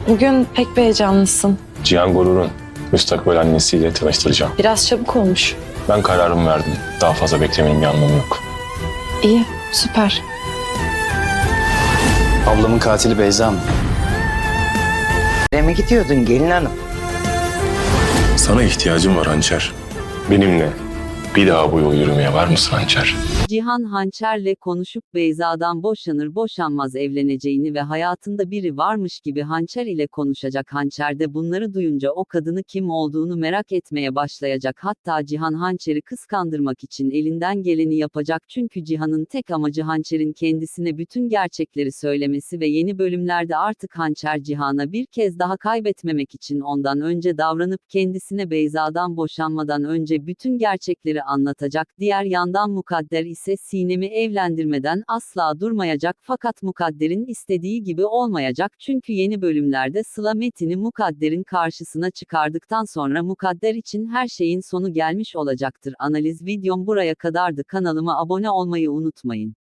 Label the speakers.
Speaker 1: Bugün pek bir heyecanlısın.
Speaker 2: Cihan Gorur'un müstakbel annesiyle tanıştıracağım.
Speaker 1: Biraz çabuk olmuş.
Speaker 2: Ben kararımı verdim. Daha fazla beklemenin bir anlamı yok.
Speaker 1: İyi, süper.
Speaker 3: Ablamın katili Beyza mı?
Speaker 4: Nereye mi gidiyordun gelin hanım?
Speaker 2: Sana ihtiyacım var Hançer. Benimle bir daha bu yolu yürümeye var mısın Hançer?
Speaker 5: Cihan Hançer'le konuşup Beyza'dan boşanır boşanmaz evleneceğini ve hayatında biri varmış gibi Hançer ile konuşacak. Hançer de bunları duyunca o kadını kim olduğunu merak etmeye başlayacak. Hatta Cihan Hançer'i kıskandırmak için elinden geleni yapacak. Çünkü Cihan'ın tek amacı Hançer'in kendisine bütün gerçekleri söylemesi ve yeni bölümlerde artık Hançer Cihan'a bir kez daha kaybetmemek için ondan önce davranıp kendisine Beyza'dan boşanmadan önce bütün gerçekleri anlatacak. Diğer yandan Mukadder ise Sinem'i evlendirmeden asla durmayacak fakat Mukadder'in istediği gibi olmayacak çünkü yeni bölümlerde Sıla Metin'i Mukadder'in karşısına çıkardıktan sonra Mukadder için her şeyin sonu gelmiş olacaktır. Analiz videom buraya kadardı. Kanalıma abone olmayı unutmayın.